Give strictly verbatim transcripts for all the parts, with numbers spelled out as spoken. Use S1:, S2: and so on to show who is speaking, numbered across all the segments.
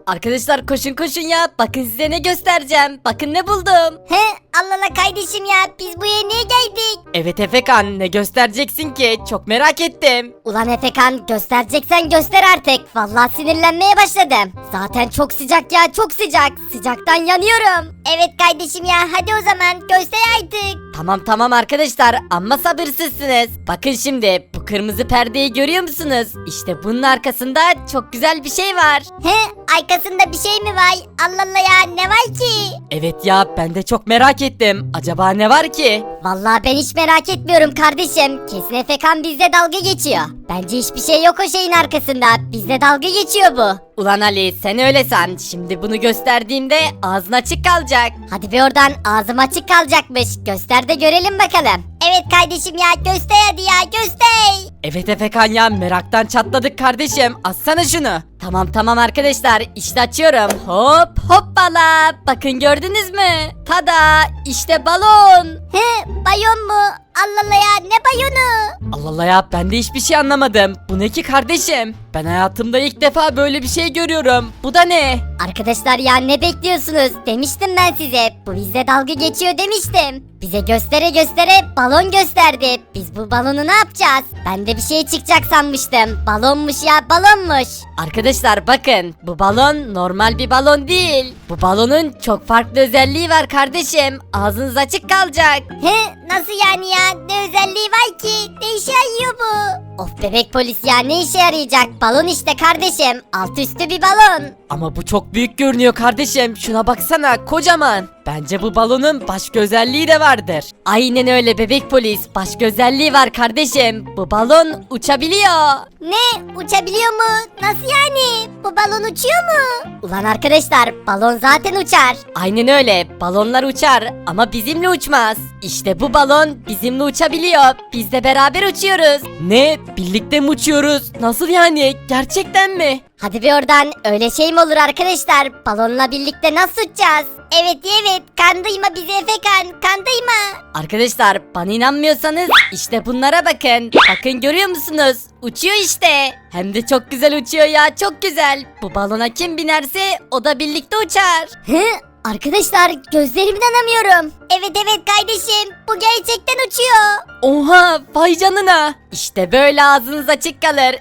S1: Arkadaşlar koşun koşun ya. Bakın size ne göstereceğim. Bakın ne buldum.
S2: He Allah Allah kardeşim ya biz buraya niye geldik?
S1: Evet Efekan, ne göstereceksin ki? Çok merak ettim.
S2: Ulan Efekan göstereceksen göster artık. Vallahi sinirlenmeye başladım. Zaten çok sıcak ya çok sıcak. Sıcaktan yanıyorum. Evet kardeşim ya hadi o zaman göster artık.
S1: Tamam tamam arkadaşlar, amma sabırsızsınız. Bakın şimdi bu kırmızı perdeyi görüyor musunuz? İşte bunun arkasında çok güzel bir şey var.
S2: He arkasında bir şey mi var? Allah Allah ya ne var ki?
S1: Evet ya, ben de çok merak ettim. Acaba ne var ki?
S2: Vallahi ben hiç merak etmiyorum kardeşim. Kesin Efekan bizle dalga geçiyor. Bence hiçbir şey yok o şeyin arkasında. Bizle dalga geçiyor bu.
S1: Ulan Ali, sen öyle san. Şimdi bunu gösterdiğimde ağzın açık kalacak.
S2: Hadi bir oradan ağzım açık kalacakmış. Göster de görelim bakalım. Evet kardeşim ya göster hadi ya göster.
S1: Evet Efekan ya, meraktan çatladık kardeşim. Açsana şunu. Tamam tamam arkadaşlar, işte açıyorum. Hop hoppala. Bakın gördünüz mü? Tada, işte balon.
S2: He bayon mu? Allah Allah ya ne bayonu?
S1: Allah Allah ya, ben de hiçbir şey anlamadım. Bu ne ki kardeşim? Ben hayatımda ilk defa böyle bir şey görüyorum. Bu da ne?
S2: Arkadaşlar ya ne bekliyorsunuz? Demiştim ben size. Bu bizle dalga geçiyor demiştim. Bize göstere göstere balon gösterdi. Biz bu balonu ne yapacağız? Ben de bir şey çıkacak sanmıştım. Balonmuş ya balonmuş.
S1: Arkadaşlar bakın, bu balon normal bir balon değil. Bu balonun çok farklı özelliği var kardeşim. Ağzınız açık kalacak.
S2: He nasıl yani ya? Ne özelliği var ki? Ne işe yarıyor bu? Of bebek polis ya ne işe yarayacak? Balon işte kardeşim. Alt üstü bir balon.
S1: Ama bu çok büyük görünüyor kardeşim. Şuna baksana, kocaman. Bence bu balonun başka özelliği de vardır. Aynen öyle bebek polis. Başka özelliği var kardeşim. Bu balon uçabiliyor.
S2: Ne? Uçabiliyor mu? Nasıl yani? Bu balon uçuyor mu? Ulan arkadaşlar balon zaten uçar.
S1: Aynen öyle. Balonlar uçar ama bizimle uçmaz. İşte bu balon bizimle uçabiliyor. Biz de beraber uçuyoruz. Ne? Birlikte mi uçuyoruz? Nasıl yani? Gerçekten mi?
S2: Hadi bir oradan öyle şey mi olur arkadaşlar? Balonla birlikte nasıl uçacağız? Evet evet kandırma bizi Efekan kandırma.
S1: Arkadaşlar bana inanmıyorsanız işte bunlara bakın. Bakın görüyor musunuz? Uçuyor işte. Hem de çok güzel uçuyor ya, çok güzel. Bu balona kim binerse o da birlikte uçar.
S2: Hı? Arkadaşlar gözlerime inanamıyorum. Evet evet kardeşim bu gerçekten uçuyor.
S1: Oha, vay canına. İşte böyle ağzınız açık kalır.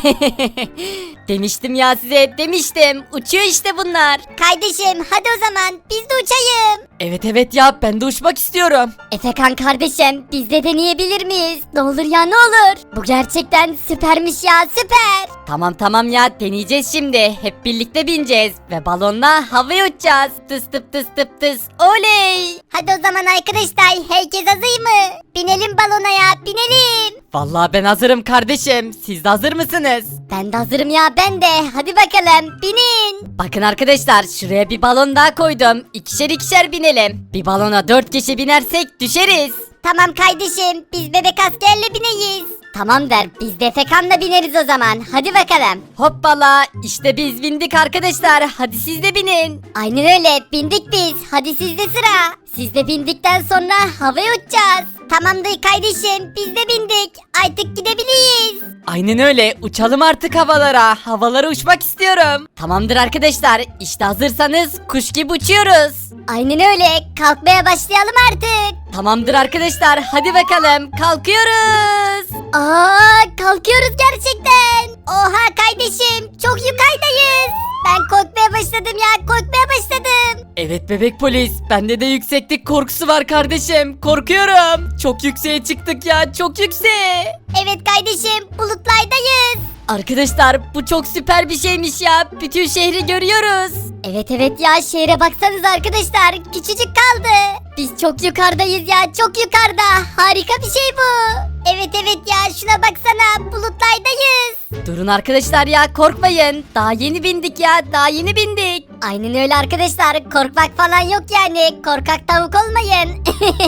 S1: Demiştim ya size, demiştim. Uçuyor işte bunlar.
S2: Kardeşim hadi o zaman biz de uçayım.
S1: Evet evet ya, ben de uçmak istiyorum.
S2: Efekan kardeşim biz de deneyebilir miyiz? Ne olur ya ne olur. Bu gerçekten süpermiş ya süper.
S1: Tamam tamam ya, deneyeceğiz şimdi. Hep birlikte bineceğiz ve balonla havaya uçacağız. Tıs tıp tıs tıp tıs. Oley.
S2: Hadi o zaman arkadaşlar herkes hazır mı? Binelim balona ya binelim.
S1: Vallahi ben hazırım kardeşim. Siz de hazır mısınız?
S2: Ben de hazırım ya ben de. Hadi bakalım binin.
S1: Bakın arkadaşlar, şuraya bir balon daha koydum. İkişer ikişer binelim. Bir balona dört kişi binersek düşeriz.
S2: Tamam kardeşim biz bebek askerle bineyiz. Tamam der biz de Efekan'la bineriz o zaman. Hadi bakalım.
S1: Hoppala, işte biz bindik arkadaşlar. Hadi siz de binin.
S2: Aynen öyle bindik biz. Hadi sizde sıra. Siz de bindikten sonra havaya uçacağız. Tamamdır kardeşim biz de bindik. Artık gidebiliriz.
S1: Aynen öyle, uçalım artık havalara. Havalara uçmak istiyorum. Tamamdır arkadaşlar, işte hazırsanız kuş gibi uçuyoruz.
S2: Aynen öyle kalkmaya başlayalım artık.
S1: Tamamdır arkadaşlar, hadi bakalım kalkıyoruz.
S2: Aa kalkıyoruz gerçekten. Oha kardeşim çok yukarıdayız. Ben korkmaya başladım ya korkmaya başladım.
S1: Evet bebek polis, bende de yükseklik korkusu var kardeşim. Korkuyorum. Çok yükseğe çıktık ya, çok yükseğe.
S2: Evet kardeşim bulutlardayız.
S1: Arkadaşlar bu çok süper bir şeymiş ya. Bütün şehri görüyoruz.
S2: Evet evet ya şehre baksanız arkadaşlar küçücük kaldı. Biz çok yukarıdayız ya çok yukarıda. Harika bir şey bu. Evet evet ya şuna baksana bulutlardayız.
S1: Durun arkadaşlar ya, korkmayın. Daha yeni bindik ya, daha yeni bindik.
S2: Aynen öyle arkadaşlar korkmak falan yok yani. Korkak tavuk olmayın.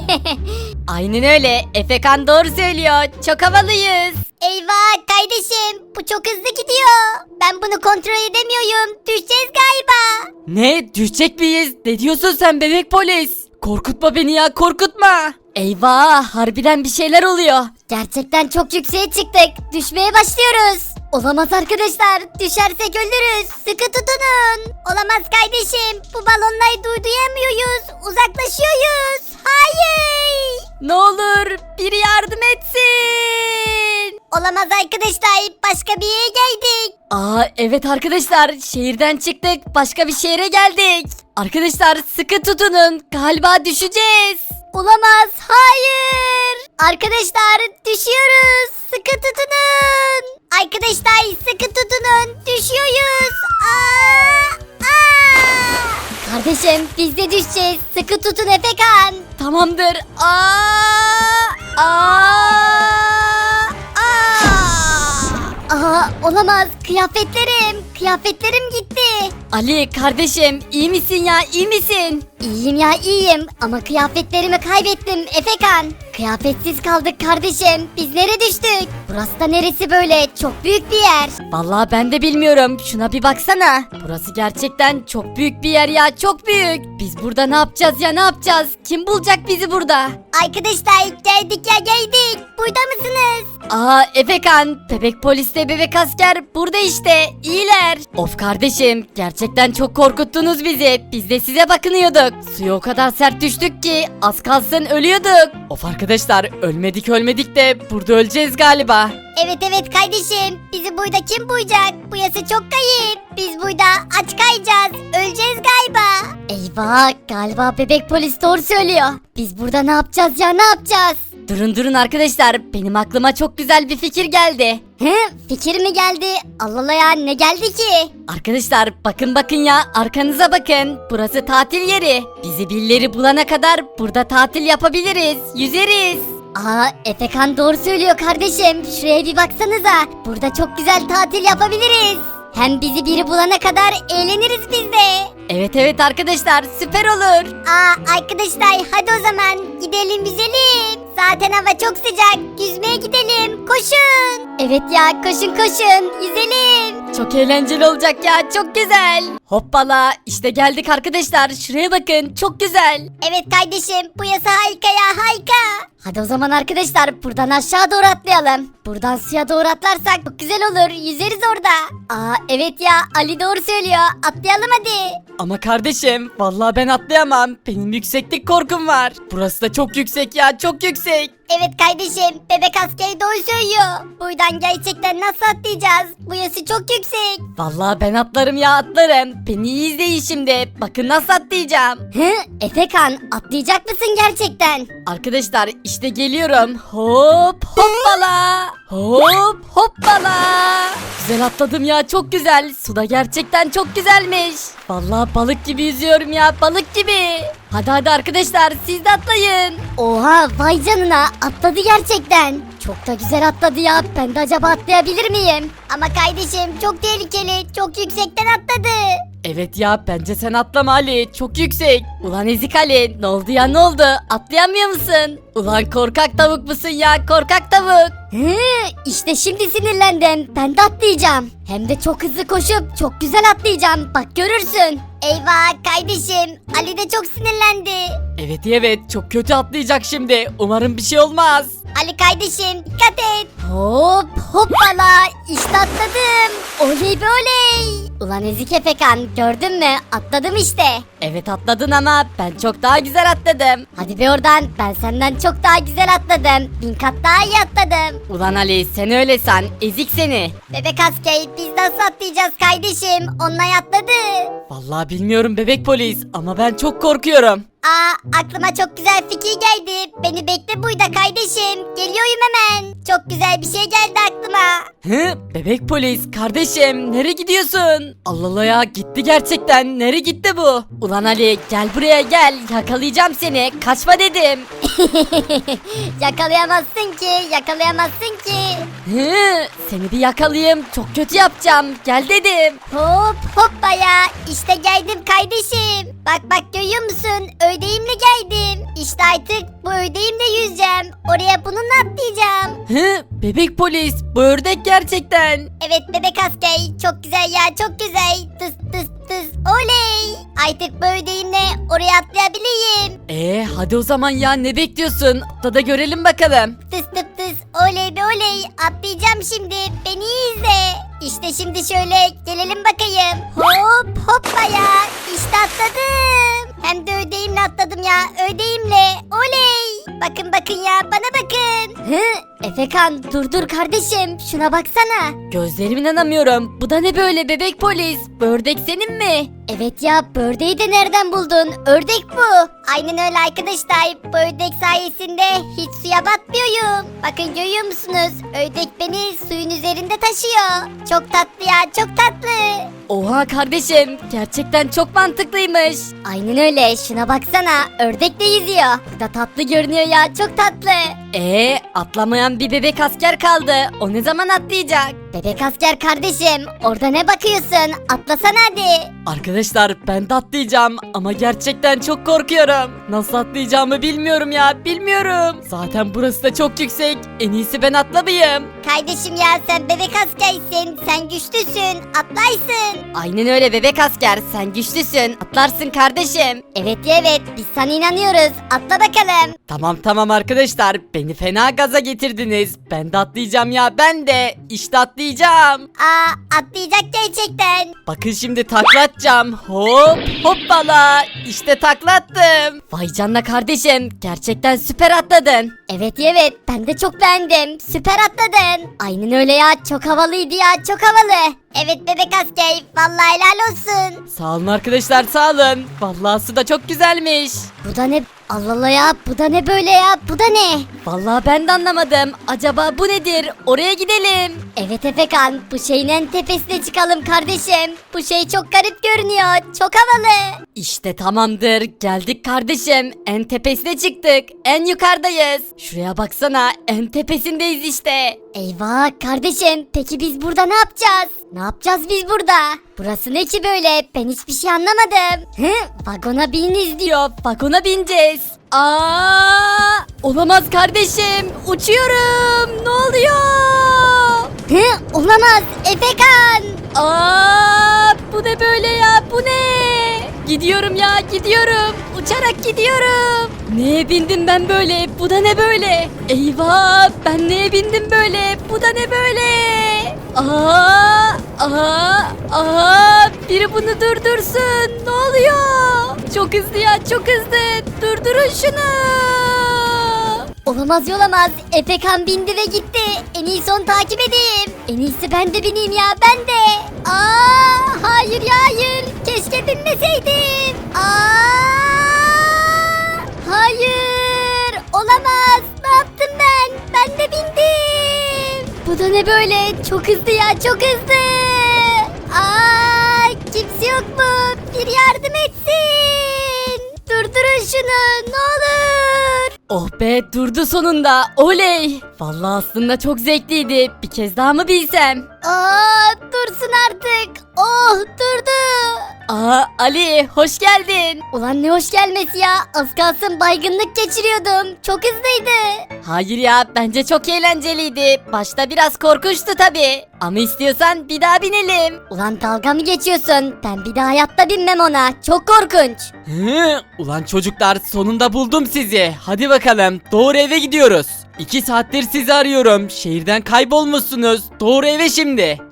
S1: Aynen öyle, Efekan doğru söylüyor. Çok havalıyız.
S2: Eyvah kardeşim bu çok hızlı gidiyor. Ben bunu kontrol edemiyorum. Düşeceğiz galiba.
S1: Ne, düşecek miyiz? Ne diyorsun sen bebek polis? Korkutma beni ya, korkutma. Eyvah, harbiden bir şeyler oluyor.
S2: Gerçekten çok yükseğe çıktık. Düşmeye başlıyoruz. Olamaz arkadaşlar. Düşersek ölürüz. Sıkı tutunun. Olamaz kardeşim. Bu balonları durduyamıyoruz. Uzaklaşıyoruz. Hayır.
S1: Ne olur biri yardım etsin.
S2: Olamaz arkadaşlar. Başka bir yere geldik.
S1: Aa evet arkadaşlar, şehirden çıktık, başka bir şehre geldik. Arkadaşlar sıkı tutunun, galiba düşeceğiz.
S2: Olamaz. Hayır. Arkadaşlar düşüyoruz. Sıkı tutunun. Arkadaşlar sıkı tutunun. Düşüyoruz. Aa, aa. Kardeşim biz de düşeceğiz. Sıkı tutun Efekan.
S1: Tamamdır. Aa! Aa! Aa!
S2: Aa, olamaz. Kıyafetlerim. Kıyafetlerim gitti.
S1: Ali kardeşim, iyi misin ya, iyi misin?
S2: İyiyim ya iyiyim ama kıyafetlerimi kaybettim Efekan. Kıyafetsiz kaldık kardeşim. Biz nereye düştük? Burası da neresi böyle? Çok büyük bir yer.
S1: Vallahi ben de bilmiyorum, şuna bir baksana. Burası gerçekten çok büyük bir yer ya, çok büyük. Biz burada ne yapacağız ya, ne yapacağız? Kim bulacak bizi burada?
S2: Arkadaşlar geldik ya geldik. Burada mısınız?
S1: Aa Efekan, bebek polisle bebek asker burada işte, iyiler. Of kardeşim, gerçekten çok korkuttunuz bizi. Biz de size bakınıyorduk. Suya o kadar sert düştük ki az kalsın ölüyorduk. Of arkadaşlar, ölmedik ölmedik de burada öleceğiz galiba.
S2: Evet evet kardeşim. Bizi burada kim bulacak? Burası çok kayıp. Biz burada aç kayacağız. Öleceğiz galiba. Eyvah galiba bebek polis doğru söylüyor. Biz burada ne yapacağız ya ne yapacağız?
S1: Durun durun arkadaşlar, benim aklıma çok güzel bir fikir geldi.
S2: He, fikir mi geldi? Allah Allah ya ne geldi ki?
S1: Arkadaşlar bakın bakın ya, arkanıza bakın. Burası tatil yeri. Bizi birileri bulana kadar burada tatil yapabiliriz, yüzeriz.
S2: Aa Efekan doğru söylüyor kardeşim. Şuraya bir baksanıza. Burada çok güzel tatil yapabiliriz. Hem bizi biri bulana kadar eğleniriz biz de.
S1: Evet evet arkadaşlar, süper olur.
S2: Aa arkadaşlar hadi o zaman gidelim yüzelim. Zaten hava çok sıcak. Yüzmeye gidelim. Koşun. Evet ya koşun koşun. Yüzelim.
S1: Çok eğlenceli olacak ya, çok güzel. Hoppala, işte geldik arkadaşlar, şuraya bakın, çok güzel.
S2: Evet kardeşim bu yasa harika ya harika. Hadi o zaman arkadaşlar buradan aşağı doğru atlayalım. Buradan suya doğru atlarsak çok güzel olur. Yüzeriz orada. Aa evet ya Ali doğru söylüyor. Atlayalım hadi.
S1: Ama kardeşim, vallahi ben atlayamam. Benim yükseklik korkum var. Burası da çok yüksek ya, çok yüksek.
S2: Evet kardeşim bebek askeri doğru söylüyor. Buradan gerçekten nasıl atlayacağız? Bu yası çok yüksek.
S1: Vallahi ben atlarım ya, atlarım. Beni iyi izleyin şimdi. Bakın nasıl atlayacağım.
S2: Hı? Efekan atlayacak mısın gerçekten?
S1: Arkadaşlar işte geliyorum. Hop hoppala. Hop hoppala. Güzel atladım ya, çok güzel. Suda gerçekten çok güzelmiş. Vallahi balık gibi yüzüyorum ya, balık gibi. Hadi hadi arkadaşlar, siz de atlayın.
S2: Oha vay canına atladı gerçekten. Çok da güzel atladı ya. Ben de acaba atlayabilir miyim? Ama kardeşim çok tehlikeli. Çok yüksekten atladı.
S1: Evet ya, bence sen atlama Ali, çok yüksek. Ulan ezik Ali, ne oldu ya, ne oldu, atlayamıyor musun? Ulan korkak tavuk musun ya, korkak tavuk.
S2: Hı, işte şimdi sinirlendim. Ben de atlayacağım. Hem de çok hızlı koşup çok güzel atlayacağım. Bak görürsün. Eyvah kardeşim. Ali de çok sinirlendi.
S1: Evet evet, çok kötü atlayacak şimdi, umarım bir şey olmaz.
S2: Ali kardeşim dikkat et. Hop hoppala işte atladım. Oley be oley. Ulan ezik Efekan gördün mü atladım işte.
S1: Evet atladın ama ben çok daha güzel atladım.
S2: Hadi be oradan ben senden çok daha güzel atladım. Bin kat daha iyi atladım.
S1: Ulan Ali, sen öyle san, ezik seni.
S2: Bebek asker biz nasıl atlayacağız kardeşim? Onlar atladı.
S1: Vallahi bilmiyorum bebek polis, ama ben çok korkuyorum.
S2: Aa aklıma çok güzel fikir geldi. Beni bekle burada kardeşim. Geliyorum hemen. Çok güzel bir şey geldi aklıma.
S1: Hı? Bebek polis, kardeşim nereye gidiyorsun? Allah Allah ya, gitti gerçekten, nereye gitti bu? Ulan Ali, gel buraya gel, yakalayacağım seni, kaçma dedim.
S2: Yakalayamazsın ki, yakalayamazsın ki.
S1: Hı? Seni bir yakalayayım, çok kötü yapacağım, gel dedim.
S2: Hop hoppa ya. İşte geldim kardeşim. Bak bak görüyor musun? Ödeğimle geldim. İşte artık bu ödeğimle yüzeceğim. Oraya bununla atlayacağım.
S1: Hı? Bebek polis, bu ördek gerçekten.
S2: Evet bebek asker çok güzel ya çok güzel. Tıs tıs tıs oley. Artık bu ödeğimle oraya atlayabileyim.
S1: Ee hadi o zaman ya, ne bekliyorsun? Atla da görelim bakalım.
S2: Tıs tıs tıs oley be oley. Atlayacağım şimdi. Beni iyi izle. İşte şimdi şöyle gelelim bakayım. Hop hoppa ya. atladım. Hem de ödeğimle atladım ya, ödeğimle. Oley. Bakın bakın ya, bana bakın. Hı? Efekan dur dur kardeşim, şuna baksana.
S1: Gözlerime inanamıyorum. Bu da ne böyle bebek polis? Bu ördek senin mi?
S2: Evet ya, bu ördeği de nereden buldun? Ördek bu. Aynen öyle arkadaşlar. Bu ördek sayesinde hiç suya batmıyorum. Bakın görüyor musunuz? Ördek beni suyun üzerinde taşıyor. Çok tatlı ya, çok tatlı.
S1: Oha kardeşim, gerçekten çok mantıklıymış.
S2: Aynen öyle, şuna baksana. Ördek de yüzüyor. Bu da tatlı görünüyor ya, çok tatlı.
S1: Ee, atlamayan bir bebek asker kaldı. O ne zaman atlayacak?
S2: Bebek asker kardeşim, orada ne bakıyorsun? Atlasana hadi.
S1: Arkadaşlar ben de atlayacağım ama gerçekten çok korkuyorum. Nasıl atlayacağımı bilmiyorum ya, bilmiyorum. Zaten burası da çok yüksek. En iyisi ben atlamayayım.
S2: Kardeşim ya, sen bebek askersin. Sen güçlüsün. Atlaysın.
S1: Aynen öyle bebek asker, sen güçlüsün. Atlarsın kardeşim.
S2: Evet ya evet, biz sana inanıyoruz. Atla bakalım.
S1: Tamam tamam arkadaşlar, beni fena gaza getirdiniz. Ben de atlayacağım ya, ben de. İşte atlayacağım.
S2: Aa, atlayacak gerçekten.
S1: Bakın şimdi takla atacağım. Hop hoppala. İşte takla attım. Vay canına kardeşim, gerçekten süper atladın.
S2: Evet ya evet, ben de çok beğendim. Süper atladın. Aynen öyle ya, çok havalıydı ya, çok havalı. Evet bebek asker, vallahi helal olsun.
S1: Sağ olun arkadaşlar, sağ olun. Vallahi su da çok güzelmiş.
S2: Bu da ne? Allah Allah ya, bu da ne böyle ya, bu da ne?
S1: Vallahi ben de anlamadım. Acaba bu nedir? Oraya gidelim.
S2: Evet Efekan, bu şeyin en tepesine çıkalım kardeşim. Bu şey çok garip görünüyor, çok havalı.
S1: İşte tamamdır. Geldik kardeşim. En tepesine çıktık. En yukarıdayız. Şuraya baksana. En tepesindeyiz işte.
S2: Eyvah kardeşim, peki biz burada ne yapacağız? Ne yapacağız biz burada? Burası ne ki böyle? Ben hiçbir şey anlamadım. Hı? Vagona bininiz diyor.
S1: Diyor. Vagona bineceğiz. Aa! Olamaz kardeşim. Uçuyorum. Ne oluyor?
S2: Hı? Olamaz Efekan.
S1: Aa! Bu ne böyle ya? Bu ne? Gidiyorum ya, gidiyorum. Uçarak gidiyorum. Neye bindim ben böyle? Bu da ne böyle? Eyvah! Ben neye bindim böyle? Bu da ne böyle? Aa! Aa! Aa! Biri bunu durdursun. Ne oluyor? Çok hızlı ya, çok hızlı. Durdurun şunu.
S2: Olamaz yolamaz. Efekan bindi ve gitti. En iyisi onu takip edeyim. En iyisi ben de bineyim ya, ben de. Aa, hayır ya hayır. Keşke binmeseydim. Aa, hayır. Olamaz. Ne yaptım ben? Ben de bindim. Bu da ne böyle? Çok hızlı ya, çok hızlı. Aa, kimse yok mu? Bir yardım etsin. Durdurun şunu, ne olur.
S1: Oh be, durdu sonunda. Oley. Vallahi aslında çok zevkliydi. Bir kez daha mı bilsem?
S2: Aa, dursun artık. Oh, durdu.
S1: Aa Ali, hoş geldin.
S2: Ulan ne hoş gelmesi ya. Az kalsın baygınlık geçiriyordum. Çok hızlıydı.
S1: Hayır ya, bence çok eğlenceliydi. Başta biraz korkunçtu tabi. Ama istiyorsan bir daha binelim.
S2: Ulan dalga mı geçiyorsun? Ben bir daha hayatta binmem ona. Çok korkunç.
S1: Hı, ulan çocuklar, sonunda buldum sizi. Hadi bakalım, doğru eve gidiyoruz. İki saattir sizi arıyorum. Şehirden kaybolmuşsunuz. Doğru eve şimdi.